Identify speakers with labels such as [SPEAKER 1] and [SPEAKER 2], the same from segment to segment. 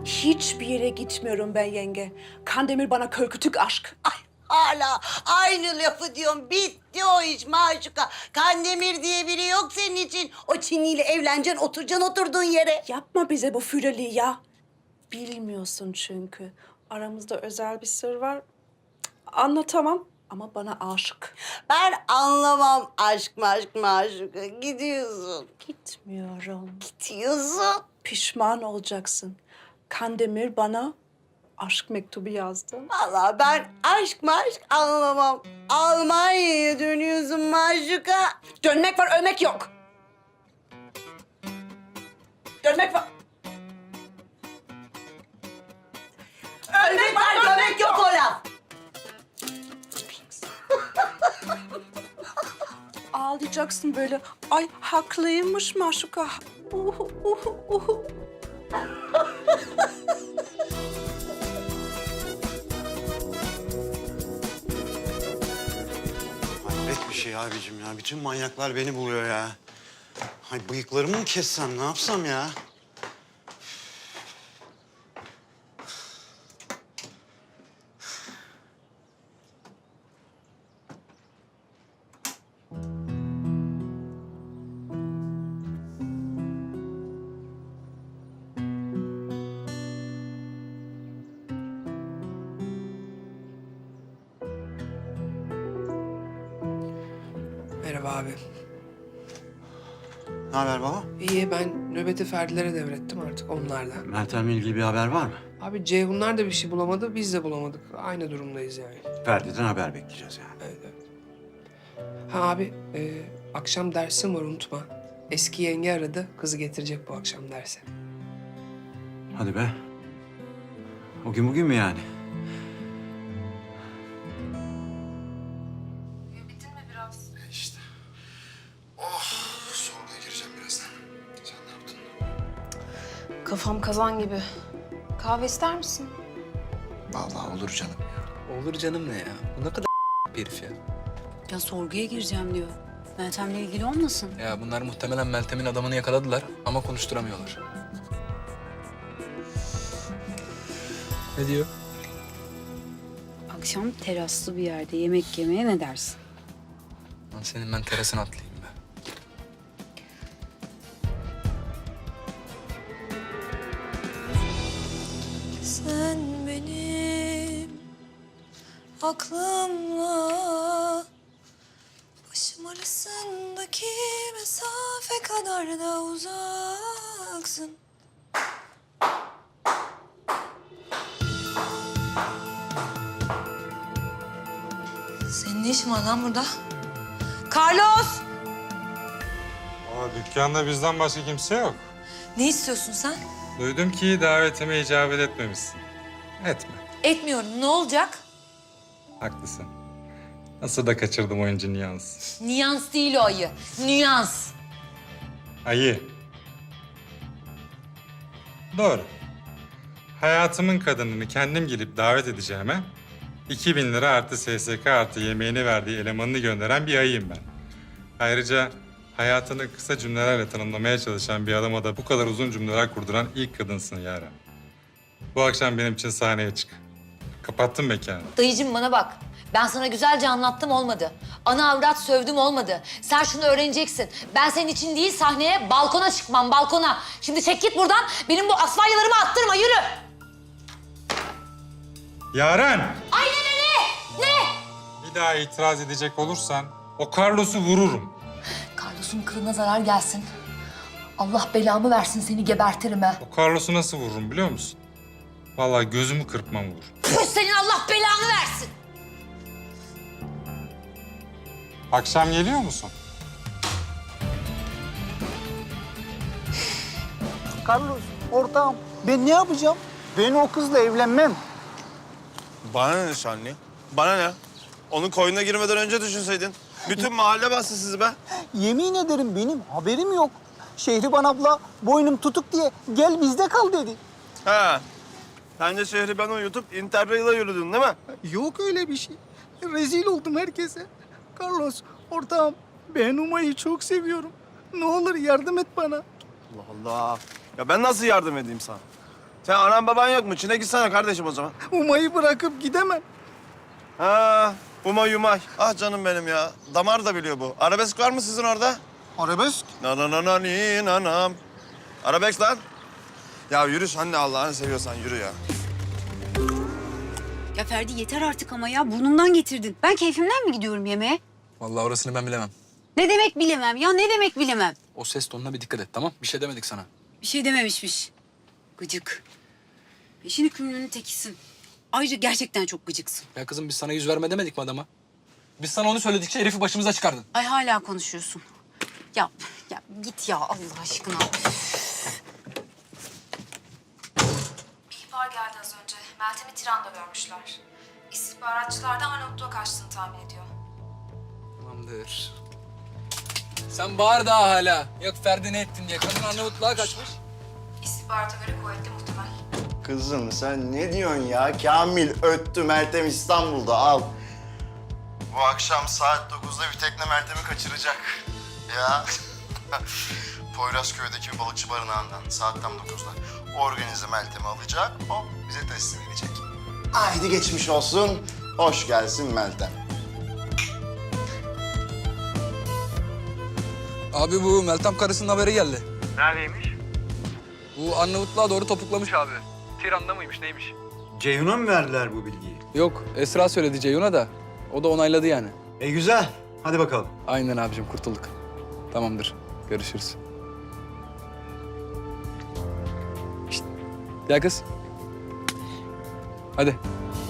[SPEAKER 1] Hiçbir yere gitmiyorum ben yenge. Kandemir bana körkütük aşk.
[SPEAKER 2] Ay hala aynı lafı diyorum. Bitti o iş Maşuka. Kandemir diye biri yok senin için. O Çinliyle evleneceksin, oturacaksın oturduğun yere.
[SPEAKER 1] Yapma bize bu füreliği ya. Bilmiyorsun çünkü. Aramızda özel bir sır var. Cık, anlatamam ama bana aşık.
[SPEAKER 2] Ben anlamam aşk Maşuka. Gidiyorsun.
[SPEAKER 1] Gitmiyorum.
[SPEAKER 2] Gidiyorsun.
[SPEAKER 1] Pişman olacaksın. Kandemir bana aşk mektubu yazdı.
[SPEAKER 2] Vallahi ben aşk anlamam. Almanya'ya dönüyorsun Maşuka.
[SPEAKER 1] Dönmek var, ölmek yok. Dönmek var.
[SPEAKER 2] Ölmek var, dönmek yok o laf.
[SPEAKER 1] Ağlayacaksın böyle. Ay haklıymış Maşuka.
[SPEAKER 3] Hayret bir şey abicim ya. Bütün manyaklar beni buluyor ya. Hay bıyıklarımı mı kessem, ne yapsam ya?
[SPEAKER 4] Merhaba abi.
[SPEAKER 3] Ne haber baba?
[SPEAKER 4] İyi, ben nöbeti Ferdi'lere devrettim artık onlarla.
[SPEAKER 3] Meltem'le ilgili bir haber var mı?
[SPEAKER 4] Abi Ceyhunlar da bir şey bulamadı, biz de bulamadık. Aynı durumdayız yani.
[SPEAKER 3] Ferdi'den haber bekleyeceğiz yani.
[SPEAKER 4] Evet, evet. Ha abi, akşam dersim var unutma. Eski yenge aradı, kızı getirecek bu akşam derse.
[SPEAKER 3] Hadi be. O gün bugün mü yani?
[SPEAKER 5] Uyuyabildin mi biraz?
[SPEAKER 3] İşte. Oh, sorguya gireceğim birazdan. Sen ne yaptın?
[SPEAKER 5] Kafam kazan gibi. Kahve ister misin?
[SPEAKER 6] Vallahi olur canım.
[SPEAKER 7] Olur canım ne ya? Bu ne kadar bir herif ya.
[SPEAKER 8] Ya sorguya gireceğim diyor. Meltem'le ilgili olmasın?
[SPEAKER 7] Ya bunlar muhtemelen Meltem'in adamını yakaladılar ama konuşturamıyorlar. Ne diyor?
[SPEAKER 8] Akşam teraslı bir yerde yemek yemeye ne dersin?
[SPEAKER 7] Lan senin ben terasına atlayayım be.
[SPEAKER 5] Sen benim aklımla başım arasındaki mesafe kadar da uzaksın. Senin ne işin var lan burada? Carlos!
[SPEAKER 9] Dükkanda bizden başka kimse yok.
[SPEAKER 5] Ne istiyorsun sen?
[SPEAKER 9] Duydum ki davetime icabet etmemişsin. Etme.
[SPEAKER 5] Etmiyorum. Ne olacak?
[SPEAKER 9] Haklısın. Nasıl da kaçırdım oyuncu Niyans.
[SPEAKER 5] Nüans değil o ayı. Nüans.
[SPEAKER 9] Ayı. Doğru. Hayatımın kadınını kendim gelip davet edeceğime 2000 lira artı SSK artı yemeğini verdiği elemanını gönderen bir ayıyım ben. Ayrıca hayatını kısa cümlelerle tanımlamaya çalışan bir adama da bu kadar uzun cümleler kurduran ilk kadınsın Yaren. Bu akşam benim için sahneye çık. Kapattım mekanı.
[SPEAKER 10] Dayıcığım bana bak. Ben sana güzelce anlattım olmadı. Ana avrat sövdüm olmadı. Sen şunu öğreneceksin. Ben senin için değil sahneye balkona çıkmam balkona. Şimdi çek git buradan. Benim bu asfalyalarımı attırma yürü.
[SPEAKER 9] Yaren!
[SPEAKER 10] Ay ne?
[SPEAKER 9] Bir daha itiraz edecek olursan o Carlos'u vururum.
[SPEAKER 10] Carlos'un kılına zarar gelsin. Allah belamı versin seni gebertirim ha.
[SPEAKER 9] O Carlos'u nasıl vururum biliyor musun? Vallahi gözümü kırpmam vurur.
[SPEAKER 10] Püh, senin Allah belanı versin.
[SPEAKER 9] Akşam geliyor musun?
[SPEAKER 6] Carlos, ortağım. Ben ne yapacağım? Ben o kızla evlenmem.
[SPEAKER 11] Bana ne Şanlı? Bana ne? Onun koyuna girmeden önce düşünseydin. Bütün mahalle bastı sizi be.
[SPEAKER 6] Yemin ederim benim haberim yok. Şehriban abla boynum tutuk diye gel bizde kal dedi.
[SPEAKER 11] He. Sen de şehri ben uyutup Interrail'a yürüdün değil mi?
[SPEAKER 6] Yok öyle bir şey. Rezil oldum herkese. Carlos, ortağım ben Umay'ı çok seviyorum. Ne olur yardım et bana.
[SPEAKER 11] Allah Allah. Ya ben nasıl yardım edeyim sana? Sen anan baban yok mu? Çin'e gitsene kardeşim o zaman.
[SPEAKER 6] Umay'ı bırakıp gidemem.
[SPEAKER 11] Ha, Umay Umay. Ah canım benim ya. Damar da biliyor bu. Arabesk var mı sizin orada?
[SPEAKER 6] Arabesk?
[SPEAKER 11] Na na na na ni nanam. Arabesk lan. Ya yürü sen de Allah'ını seviyorsan yürü ya.
[SPEAKER 8] Ya Ferdi yeter artık ama ya. Burnumdan getirdin. Ben keyfimden mi gidiyorum yemeğe?
[SPEAKER 7] Vallahi orasını ben bilemem.
[SPEAKER 8] Ne demek bilemem ya? Ne demek bilemem?
[SPEAKER 7] O ses tonuna bir dikkat et, tamam? Bir şey demedik sana.
[SPEAKER 8] Bir şey dememişmiş. Gıcık. Peşin hükümlünün tekisin. Ayrıca gerçekten çok gıcıksın.
[SPEAKER 7] Ya kızım biz sana yüz verme demedik mi adama? Biz sana onu söyledikçe herifi başımıza çıkardın.
[SPEAKER 8] Ay hala konuşuyorsun. Ya git ya Allah aşkına.
[SPEAKER 12] Bir ihbar geldi az önce. Meltem'i Tiran'da görmüşler. İstihbaratçılar da Arnavutluğa kaçtığını tahmin ediyor.
[SPEAKER 7] Tamamdır. Sen bağır daha hala. Yok Ferdi ne ettin diye. Kadın Arnavutluğa kaçmış.
[SPEAKER 12] İstihbarata göre kuvvetli muhtemel.
[SPEAKER 13] Kızım sen ne diyorsun ya? Kamil öttü, Meltem İstanbul'da, al. Bu akşam saat 9'da bir tekne Meltem'i kaçıracak. Ya. Poyrazköy'deki balıkçı barınağından saat tam 9'da. Organize Meltem'i alacak, o bize teslim edecek. Haydi geçmiş olsun, hoş gelsin Meltem.
[SPEAKER 7] Abi bu Meltem karısının haberi geldi.
[SPEAKER 3] Neredeymiş?
[SPEAKER 7] Bu Arnavutluğa doğru topuklamış abi. Tiran'da mıymış neymiş?
[SPEAKER 3] Ceyhun'a mı verdiler bu bilgiyi?
[SPEAKER 7] Yok Esra söyledi Ceyhun'a da. O da onayladı yani.
[SPEAKER 3] Güzel. Hadi bakalım.
[SPEAKER 7] Aynen abicim kurtulduk. Tamamdır. Görüşürüz. Şişt. Gel kız. Hadi.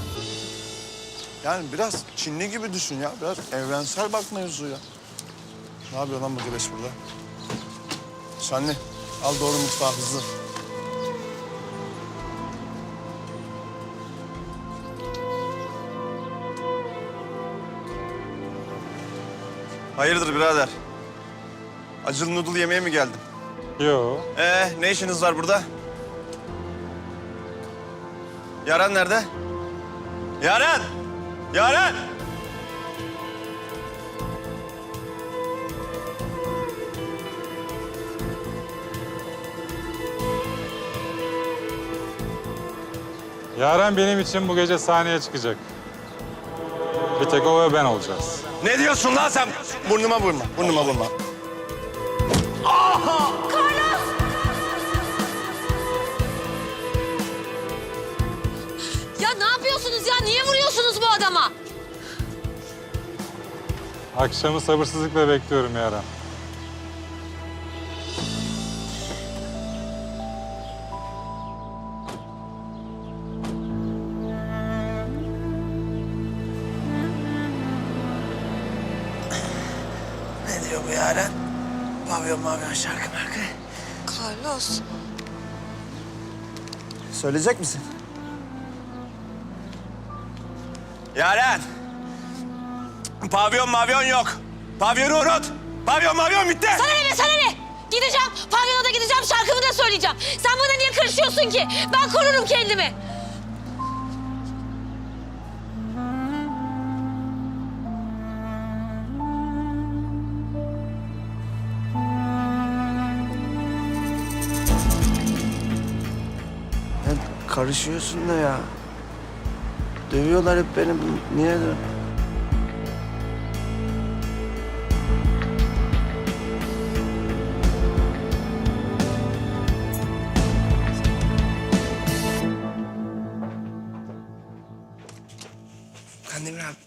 [SPEAKER 11] Yani biraz Çinli gibi düşün ya. Biraz evrensel bak mevzuya. Ne yapıyor lan bu güreş burada? Şanlı, al doğru mutfağa hızlı. Hayırdır birader? Acılı noodle yemeye mi geldin?
[SPEAKER 9] Yo.
[SPEAKER 11] Ne işiniz var burada? Yaren nerede? Yaren! Yaren!
[SPEAKER 9] Yaren benim için bu gece sahneye çıkacak. Bir tek o ve ben olacağız.
[SPEAKER 11] Ne diyorsun lan sen? Burnuma vurma, burnuma vurma.
[SPEAKER 10] Ya ne yapıyorsunuz ya? Niye vuruyorsunuz bu adama?
[SPEAKER 9] Akşamı sabırsızlıkla bekliyorum Yaren.
[SPEAKER 6] Ne diyor bu Yaren? Pavyon şarkı markı.
[SPEAKER 5] Carlos.
[SPEAKER 6] Söyleyecek misin?
[SPEAKER 11] Yaren! Pavyon mavyon yok. Pavyonu unut. Pavyon mavyon bitti.
[SPEAKER 10] Sana ne be sana ne? Gideceğim, pavyona da gideceğim, şarkımı da söyleyeceğim. Sen bana niye karışıyorsun ki? Ben korurum kendimi.
[SPEAKER 6] Karışıyorsun da ya. Dövüyorlar hep beni. Niye de?
[SPEAKER 4] Kandemir abi.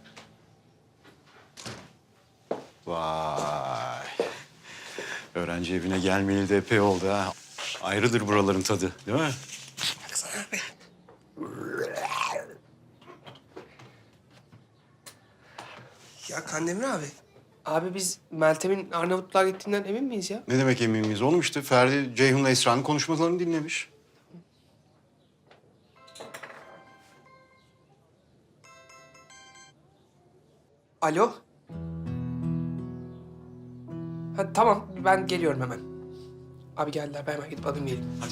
[SPEAKER 3] Vay. Öğrenci evine gelmeyeli de epey oldu ha. Ayrıdır buraların tadı, değil mi?
[SPEAKER 4] Baksana abi. Ya Kandemir abi. Abi biz Meltem'in Arnavutluğa gittiğinden emin miyiz ya?
[SPEAKER 3] Ne demek emin miyiz oğlum işte? Ferdi, Ceyhun'la Esra'nın konuşmalarını dinlemiş.
[SPEAKER 4] Alo? Ha, tamam ben geliyorum hemen. Abi geldiler ben hemen gidip alayım geleyim.
[SPEAKER 3] Hadi.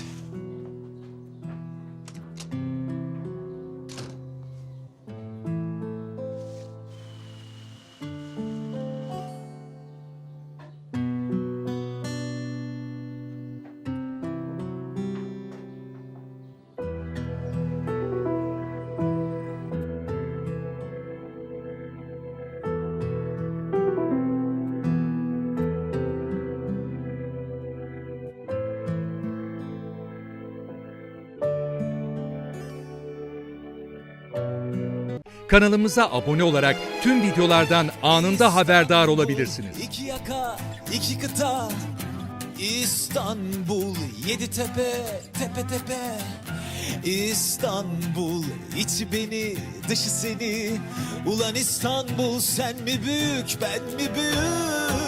[SPEAKER 14] kanalımıza abone olarak tüm videolardan anında haberdar olabilirsiniz.
[SPEAKER 15] İki yaka, iki kıta, İstanbul, yedi tepe, tepe tepe. İstanbul, içi beni, dışı seni. Ulan İstanbul, sen mi büyük, ben mi büyük?